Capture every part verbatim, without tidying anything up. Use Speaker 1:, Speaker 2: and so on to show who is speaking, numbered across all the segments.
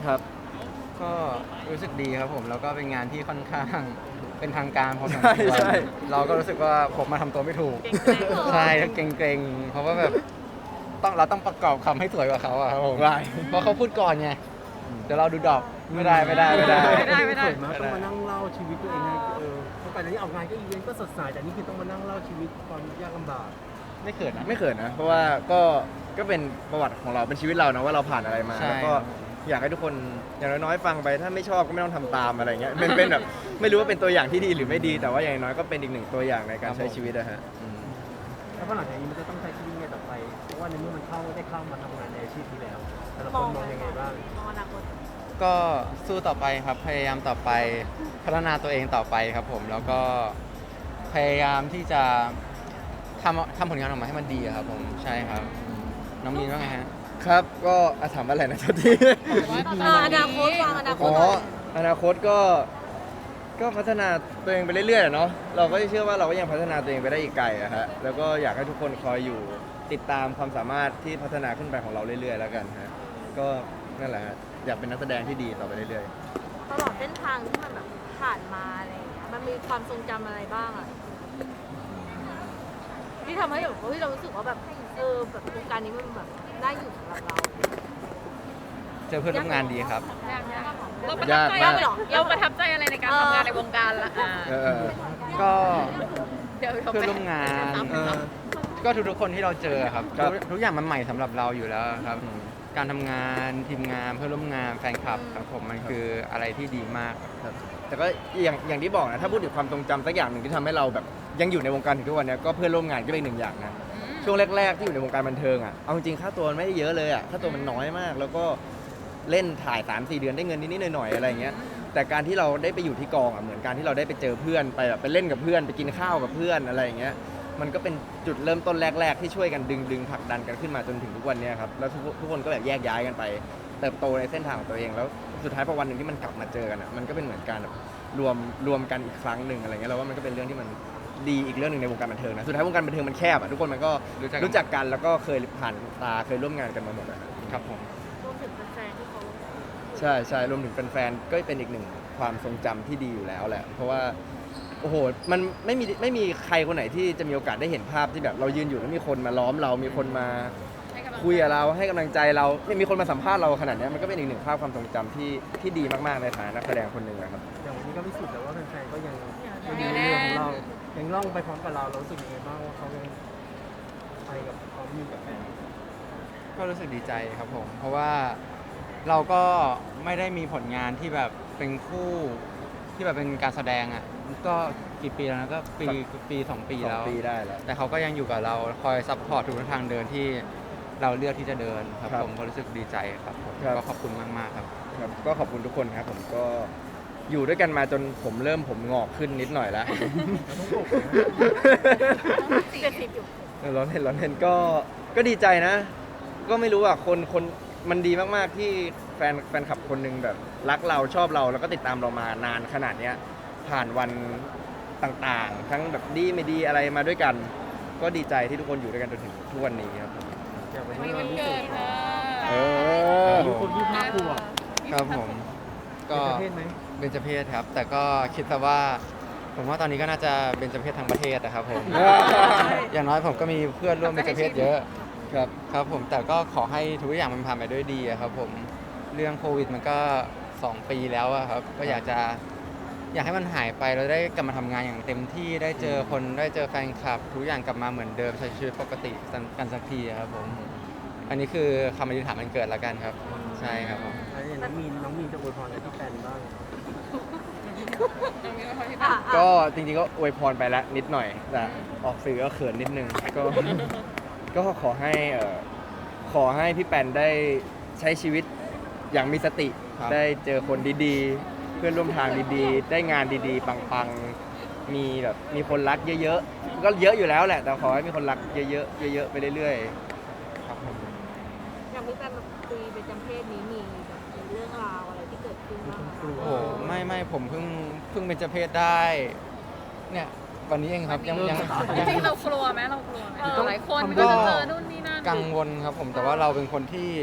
Speaker 1: ครับ
Speaker 2: ก็รู้สึกดีครับผมแล้วก็เป็นงานที่ค่อนข้างเป็นทางการพอสม
Speaker 1: ใช่
Speaker 2: ควร
Speaker 1: ใช่
Speaker 2: เราก็รู้สึกว่าผมมาทำตัวไม่ถูก
Speaker 3: เก่งๆเหรอ
Speaker 2: ใช่เกรงๆเพราะว่าแบบต้องเราต้องประกอบคำให้สวยกว่าเขาอะครับผม
Speaker 1: ได้
Speaker 2: เพราะเขาพูดก่อนไงเดี๋ยวเราดูดอกไม่ได้ไม่ได้ไม่ได้
Speaker 3: ไม่ได้ไม่ได้
Speaker 4: เขินมากต้องมานั่งเล่าชีวิตตัวเองให้เออเพราะก่อนหน้านี้ออกงานก็อีเวนต์ก็สดใสแต่นี่คือต้องมานั่งเล่าชีวิตความยากลำบาก
Speaker 2: ไม่เขินนะ
Speaker 1: ไม่เขินนะเพราะว่าก็ก็เป็นประวัติของเราเป็นชีวิตเรานะว่าเราผ่านอะไรมา
Speaker 2: ใช่
Speaker 1: แล้วก็อยากให้ทุกคนอย่างน้อยๆฟังไปถ้าไม่ชอบก็ไม่ต้องทำตามอะไรเงี้ยเป็นเป็นแบบไม่รู้ว่าเป็นตัวอย่างที่ดีหรือไม่ดี แต่ว่าอย่างน้อยก็เป็นอีกหนึ่งตัวอย่างในการใช้ชีวิตนะฮะอืม
Speaker 4: แล้วพอหลังจากนี้มันจะต้องใช้ชีวิตยังไงต่อไปเพราะว่าในเมื่อมันเข้าได้เข้ามาทำงานในอาชีพนี้แล้วแต่ละคนมองยังไงบ้าง
Speaker 3: มองอนาคต
Speaker 2: ก็สู้ต่อไปครับพยายามต่อไปพัฒนาตัวเองต่อไปครับผมแล้วก็พยายามที่จะทำทำผลงานออกมาให้มันดีอะครับผมใช่ครับน้องมีนว่าไงฮะ
Speaker 1: ครับก็อ่ะถามว่าอะไรนะทุกที
Speaker 3: เอออนาคตวางอนาค
Speaker 1: อ๋
Speaker 3: ต
Speaker 1: อ
Speaker 3: หน่อย
Speaker 1: อนาคตก็ก็พัฒนาตัวเองไปเรื่อยๆอะเนาะเราก็เชื่อว่าเราก็ยังพัฒนาตัวเองไปได้อีกไกลอะฮะแล้วก็อยากให้ทุกคนคอยอยู่ติดตามความสามารถที่พัฒนาขึ้นไปของเราเรื่อยๆแล้วกันฮะก็นั่นแหละฮะอยากเป็นนักแสดงที่ดีต่อไปเรื่อย
Speaker 3: ตลอดเส้นทางที่มันแบบผ่านมาอะไรอย่างเงี้ยมันมีความทรงจำอะไรบ้างอะที่ทำให้แบบเฮ้ยเรารู้สึกว่าแบบเออแบบวงการนี้มันแบบน่าอยู่สำหรับเรา
Speaker 2: เจอเพื่อนร่วมงานดีครับ
Speaker 3: เราประ
Speaker 1: ยา
Speaker 3: ทับ
Speaker 1: ก
Speaker 3: ใจ
Speaker 1: มาก
Speaker 3: เหรอเราประทับใจอะไรในการทำงานในวงการละอ่า
Speaker 1: ๆเออ
Speaker 2: ก็
Speaker 3: เดี๋ยว
Speaker 2: เพื่อนร่วมงาน
Speaker 1: เออ
Speaker 2: ก็ทุกๆคนที่เราเจอครับ
Speaker 1: ครับ
Speaker 2: ทุกทุกอย่างมันใหม่สำหรับเราอยู่แล้วครับ การทำงานทีมงานเพื่อนร่วมงานแฟนคลับครับผมมันคืออะไรที่ดีมาก
Speaker 1: ครับแต่ก็อย่างอย่างที่บอกนะถ้าพูดถึงความทรงจำสักอย่างหนึ่งที่ทำให้เราแบบยังอยู่ในวงการถึงทุกวันเนี้ยก็เพื่อนร่วมงานก็เป็นหนึ่งอย่างนะช่วงแรกๆที่อยู่ในวงการบันเทิงอ่ะเอาจริงๆค่าตัวมันไม่ได้เยอะเลยอ่ะค่าตัวมันน้อยมาก แล้วก็เล่นถ่าย สามสี่ เดือนได้เงินนิดๆหน่อยๆอะไรอย่างเงี้ยแต่การที่เราได้ไปอยู่ที่กองอ่ะเหมือนการที่เราได้ไปเจอเพื่อนไปแบบไปเล่นกับเพื่อนไปกินข้าวกับเพื่อนอะไรอย่างเงี้ยมันก็เป็นจุดเริ่มต้นแรก ๆ ที่ช่วยกันดึงดึงผลักดันกันขึ้นมาจนถึงทุกวันเนี้ยครับแล้วทุกทุกคนก็แบบแยกย้ายกันไป เติบโตในเส้นทางของตัวเองแล้วสุดท้ายพอวันหนึ่งที่มันกลับมาเจอกันอ่ะมันก็เป็นเหมือนการแบบรวมรวมกันอีกครั้งหนึ่งอะไรเงี้ยเราว่ามันก็เป็นเรื่องที่มันดีอีกเรื่องหนึ่งในวงการบันเทิงนะสุดท้ายวงการบันเทิงมันแคบอ่ะทุกคนมันก็
Speaker 2: รู้จักกัน
Speaker 1: รู้จักกันแล้วก็เคยผ่านตาเคยร่วมงานกันมาหมดอะ
Speaker 2: ครับผม
Speaker 3: รวมถึงแฟนๆที่เขา
Speaker 1: ใช่ใช่รวมถึงแฟนๆก็เป็นอีกหนึ่งความทรงจำที่ดีอยู่แล้วแหละเพราะว่าโอ้โหมันไม่มีไม่มีใครคนไหนที่จะมีโอกาสได้เห็นภาพที่แบบเรายืนอยู่แล้วมีคนมาล้อมเรามีคนมาคุยกับเราให้กำลังใจเราเนี่ยมีคนมาสัมภาษณ์เราขนาดเนี้ยมันก็เป็นอีกหนึ่งภาพความทรงจำที่ที่ดีมากๆในฐานะนักแสดงคนหนึ่งนะครับ
Speaker 4: อย่างวันนี้ก็พิสูจน์แล้วว่าแฟนๆก็ยังยังอยู่ในเรือของเรายังล่องไปพร้อมกับเราเรารู้สึกยังไงบ้างว่าเขายังไปกับพร้อมอยู่กับแฟน
Speaker 2: ก็รู้สึกดีใจครับผม เพราะว่าเราก็ไม่ได้มีผลงานที่แบบเป็นคู่ที่แบบเป็นการแสดงอ่ะก็กี่ปีแล้วนะก็ปีปีสองปี
Speaker 1: สอ
Speaker 2: แล้ว
Speaker 1: งปีได้แล้ว
Speaker 2: แต่เขาก็ยังอยู่กับเราคอยซัพพอร์ตทุกทางเดินที่เราเลือกที่จะเดินครับ
Speaker 1: ครับ
Speaker 2: ผมก็รู้สึกดีใจครับผม
Speaker 1: ครับ
Speaker 2: ก็ขอบคุณมากๆครับ
Speaker 1: ครับก็ขอบคุณทุกคนครับผมก็อยู่ด้วยกันมาจนผมเริ่มผมงอกขึ้นนิดหน่อยแล้ว
Speaker 3: เจ็ดสิบอยู่
Speaker 1: เออร้อนเห็นร้อนเห็นก็ก็ดีใจนะ ก็ไม่รู้อ่ะคนคนมันดีมากๆที่แฟนแฟนคลับคนหนึงแบบรักเราชอบเราแล้วก็ติดตามเรามานานขนาดเนี้ยผ่านวันต่างๆ ทั้งแบบดีไม่ดีอะไรมาด้วยกัน ก็ดีใจที่ทุกคนอยู่ด้วยกันจนถึงทุกวันนี้ครับผม
Speaker 4: อย่างวันนี้วันพิเศษ
Speaker 1: เออ
Speaker 4: อายุคนยี่สิบห้าขวบ
Speaker 2: ครับผม
Speaker 4: เป็
Speaker 2: ก็
Speaker 4: นประเภทไหม
Speaker 2: เบญจเพศครับ แต่ก็คิดซะว่า ผมว่าตอนนี้ก็น่าจะเบญจเพศทั้งประเทศนะครับผม อย่างน้อยผมก็มีเพื่อนร่วมเบญจเพศเยอะ
Speaker 1: ครับ
Speaker 2: ครับผมแต่ก็ขอให้ทุกอย่างมันผ่านไปด้วยดีอะครับผมเรื่องโควิดมันก็สองปีแล้วอะครับก็อยากจะอยากให้มันหายไปแล้วได้กลับมาทำงานอย่างเต็มที่ได้เจอคนได้เจอแฟนคลับ ทุกอย่างกลับมาเหมือนเดิมใช้ชีวิตปกติกันสักทีอะครับผมอันนี้คือคำอธิษฐานมันเกิดแล้วกันครับใช่ครับผม
Speaker 4: แล้วอย่างน้องมีนน้องมีนจะอวยพรอะไรที่แฟนบ้าง
Speaker 3: อ่ะ
Speaker 1: ก็จริงๆก็อวยพรไปแล้วนิดหน่อยแต่ออกสื่อก็เขินนิดนึงก็ ก็ขอให้เอ่อขอให้พี่แปนได้ใช้ชีวิตอย่างมีสติ
Speaker 2: ครับ
Speaker 1: ได้เจอคนดีๆ เพื่อนร่วมทางดีๆ ได้งานดีๆ ปังๆ มีแบบมีคนรักเยอะๆ ก็เยอะอยู่แล้วแหละ แต่ขอให้มีคนรักเยอะๆ เยอะๆ ไปเรื่อย
Speaker 2: ครับผม
Speaker 3: อย่างพี่แฟนแบบคุยเป็นจำเพศนี้มีแบบมีเรื่องราวอะไรที่เกิดขึ้นบ้างไหม
Speaker 4: กลัว
Speaker 2: โอ้โหไม่ไม่ผมเพิ่งเพิ่งเป็นเจเพศได้เนี่ยวันนี้เองครับยังยัง
Speaker 5: จ
Speaker 2: ยัง
Speaker 5: ริงๆเรากลัวไหมเรากลัวไหม
Speaker 3: เออ
Speaker 5: หลายคนมันก็จะเจอนู่นนี่นั่น
Speaker 2: กังวลครับผมแต่ว่าเราเป็นคนที่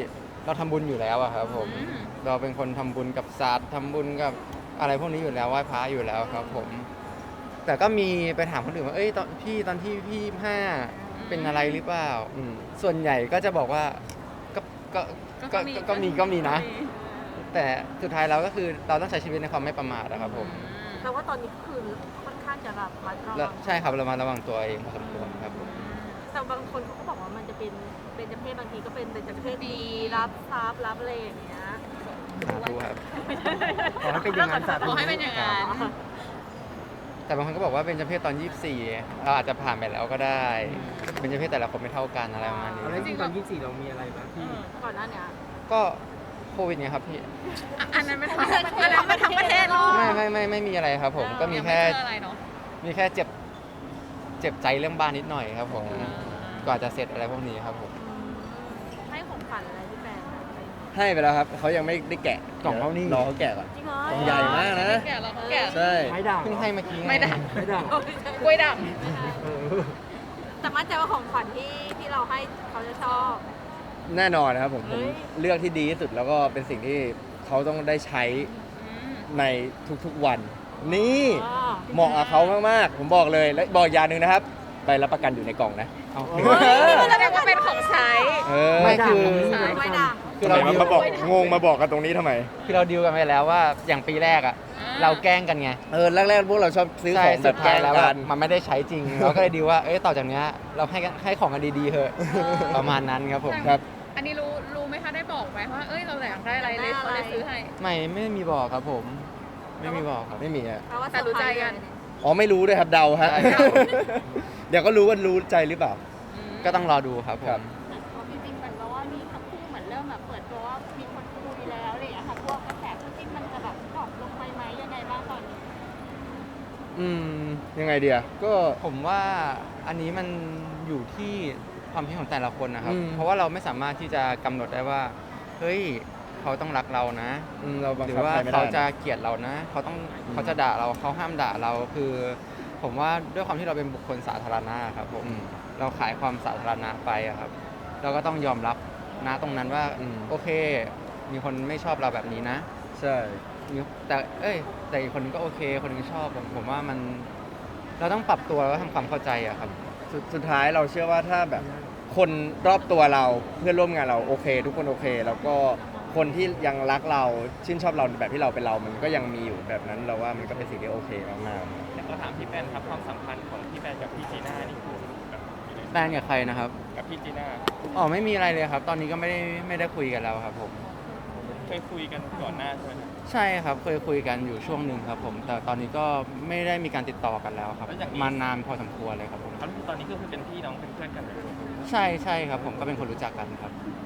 Speaker 2: เราทำบุญอยู่แล้วอะครับผม
Speaker 5: อืม
Speaker 2: เราเป็นคนทำบุญกับศาสตร์ทำบุญกับอะไรพวกนี้อยู่แล้วไหว้พระอยู่แล้วครับผม แต่ก็มีไปถามคนอื่นว่าเอ้ยตอนพี่ตอนที่พี่ห้าเป็นอะไรหรือเปล่า
Speaker 1: อืม
Speaker 2: ส่วนใหญ่ก็จะบอกว่าก็ก็ก็ก็ก็มีก็มีนะ แต่สุดท้ายเราก็คือเราต้องใช้ชีวิตในความไม่ประมาทนะครับผม
Speaker 3: แต่ว่าตอนนี้ก็คือค่อนข้างจะแบบมัดระ
Speaker 2: แล้ว
Speaker 3: วัง
Speaker 2: ใช่ครับเรามาระวังตัวเองพอสมควรครับผม
Speaker 3: แต่บางคนเขาก็บอกว่ามันจะเป็นเป็นจเพศบางทีก็เป็นเป็นจเพศดีรับทรัพย์รับอะไรอย่างเงี้ย
Speaker 2: สาธุครับ
Speaker 4: ขอให้เป็นอย่างนั้นสาธุ
Speaker 5: ขอให้เป็นอย่างนั้น
Speaker 2: แต่บางคนก็บอกว่าเป็นเจ้าเพศตอนยี่สิบสี่เราอาจจะผ่านไปแล้วก็ได้ เป็นเจ้าเพศแต่ละคนไม่เท่ากันอะไรประมาณนี้
Speaker 4: แล้วจริงๆตอนยี่สิบสี่เรามีอะไรบ้างที่
Speaker 3: ก่อนหน้าเนี้ย
Speaker 2: ก็โควิดไงครับพี่
Speaker 5: อ่ะอันนั้นเป็นทั้งอันนั้นเป็นทั้งประเทศโลก
Speaker 2: ไม่ไม่ไม่ไม่มีอะไรครับผม ก็มีแค่
Speaker 5: ยังไเจออะไรเนาะ
Speaker 2: มีแค่เจ็บเจ็บใจเรื่องบ้านนิดหน่อยครับผมกว่าจะเสร็จอะไรพวกนี้ครับผม
Speaker 3: อืมให้ของขวัญอะไรพี่แปน
Speaker 1: ให้ไปแล้วครับเขายังไม่ได้แกะ
Speaker 2: กล่องเขานี่
Speaker 1: รอเขาแกะก่อน
Speaker 3: จริงเหรอก
Speaker 1: ล่องใหญ่มากนะ
Speaker 5: แกะเราก็แกะ
Speaker 1: ใช่
Speaker 4: ไม้ด่าง
Speaker 2: เพิ่งให้เมื่อกี้ง
Speaker 5: ไม่ได้
Speaker 4: ไม้ด่าง
Speaker 5: กล้วยด่าง
Speaker 4: เออ
Speaker 3: แต่มั่นใจว่าของขวัญที่ที่เราให้เขาจะชอบ
Speaker 1: แน่นอนนะครับผมผ
Speaker 3: เฮ้
Speaker 1: ม
Speaker 3: ย
Speaker 1: เลือกที่ดีที่สุดแล้วก็เป็นสิ่งที่เขาต้องได้ใช้
Speaker 5: อืม
Speaker 1: ในทุกๆวัน นี่
Speaker 3: อ่า
Speaker 1: เหมาะกับเขามากๆ ผมบอกเลยและบอกอย่างหนึ่งนะครับใบรับประกันอยู่ในกล่องนะ
Speaker 2: เอา
Speaker 4: โอ้
Speaker 5: แสดงว่าเป็นของใช้
Speaker 1: เออ
Speaker 2: ไม่คือ
Speaker 3: ไม่ด่าง
Speaker 2: คือเรา
Speaker 1: ทำไม
Speaker 2: ดิว
Speaker 1: มาบอกงงมาบอกกันตรงนี้ทำไม
Speaker 2: คือเราดิวกันไปแล้วว่าอย่างปีแรกอ่ะ
Speaker 5: อ่า
Speaker 2: เราแกล้งกันไง
Speaker 1: เออแรกๆพวกเราชอบซื้อ
Speaker 2: ใช่
Speaker 1: ของแบ
Speaker 2: สุ
Speaker 1: บ
Speaker 2: ด
Speaker 1: แกล้
Speaker 2: ท้าย
Speaker 1: ง
Speaker 2: แล้ว
Speaker 1: กั
Speaker 2: อะ
Speaker 1: น
Speaker 2: มันไม่ได้ใช้จริง เราก็เลยดิวว่าเอ้ยต่อจากเนี้ยเราให้กันให้ของกันดีๆเถอะประมาณนั้นครับผม
Speaker 1: ครับ
Speaker 5: อันนี้รู้รู้ไหมคะได้บอกไหมว่าเอ้ยเราอยากได้อะไรเลยเขาเลยซื้อให้
Speaker 2: ไม่ไม่มีบอกครับผม ไม่มีบอกครับ
Speaker 1: ไม่มีอะ
Speaker 3: แปลว่า
Speaker 5: แต่รู้ใจกัน
Speaker 1: อ๋อไม่รู้ด้วยครับเดาฮะ
Speaker 2: ใช่ครับ
Speaker 1: เดี๋ยวก็รู้ว่ารู้ใจหรือเปล่า
Speaker 2: ก็ต้องรอดูครับผ
Speaker 1: ครับ
Speaker 2: ม
Speaker 6: จริงๆเหมือนกับว่ามีทั้งคู่เหมือนเริ่มแบบเปิดตัวว่ามีคนคุยแล้วอะไรอย่างเงี้ยค่ะพวกกระแสคู่จิ้นมันจะแบบดรอปลงไปไหมยังไงบ้างตอนนี้
Speaker 1: อืมยังไงเดียก็
Speaker 2: ผมว่าอันนี้มันอยู่ที่ความคิดของแต่ละคนนะครับ
Speaker 1: อืม
Speaker 2: เพราะว่าเราไม่สามารถที่จะกำหนดได้ว่า เฮ้ยเขาต้องรักเรานะ
Speaker 1: อืมเราบัง
Speaker 2: หรือ
Speaker 1: คับ
Speaker 2: ว่า
Speaker 1: ใครไม่ได้
Speaker 2: เขาจะเกลียดเรานะ เขาต้อง
Speaker 1: อืม
Speaker 2: เขาจะด่าเราเขาห้ามด่าเราคือ ผมว่าด้วยความที่เราเป็นบุคคลสาธารณะครับผม
Speaker 1: อืม
Speaker 2: เราขายความสาธารณะไปอะครับ เราก็ต้องยอมรับนะตรงนั้นว่า
Speaker 1: อืม
Speaker 2: โอเค มีคนไม่ชอบเราแบบนี้นะ
Speaker 1: ใช่
Speaker 2: มีแต่เอ้ยแต่อีกคนนึงก็โอเค คนนึงชอบผมผมว่ามัน เราต้องปรับตัวแล้วทำความเข้าใจอะครับ
Speaker 1: สุดสุดท้ายเราเชื่อว่าถ้าแบบคนรอบตัวเราเพื่อนร่วมงานเราโอเค ทุกคนโอเค แล้วก็คนที่ยังรักเราชื่นชอบเราแบบที่เราเป็นเรา มันก็ยังมีอยู่แบบนั้นเราว่ามันก็เป็นสิ่งที่โอเคมากๆ
Speaker 7: แต่ขอถามพี่แปนครับความสัมพันธ์ของพี่แปนกับพี่จีน่านี่คือแบบยังไง
Speaker 2: แฟนกับใครนะครับ
Speaker 7: กับพี่จีน่า
Speaker 2: อ๋อไม่มีอะไรเลยครับ ตอนนี้ก็ไม่ได้ไม่ได้คุยกันแล้วครับผม
Speaker 7: เคยคุยกันก่อนหน้าใช่ไหมครับ
Speaker 2: ใช่ครับเคยคุยกันอยู่ช่วงหนึ่งครับผม แต่ตอนนี้ก็ไม่ได้มีการติดต่อกันแล้วครับ มานานพอสมควรเลยครับผม
Speaker 7: เขาตอนนี้ก็คือเป็นพี่น้องเป็นเพื่อนกันเลย
Speaker 2: ใช่ใช่ครับผมก็เป็นคนรู้จักกันครับ
Speaker 7: อ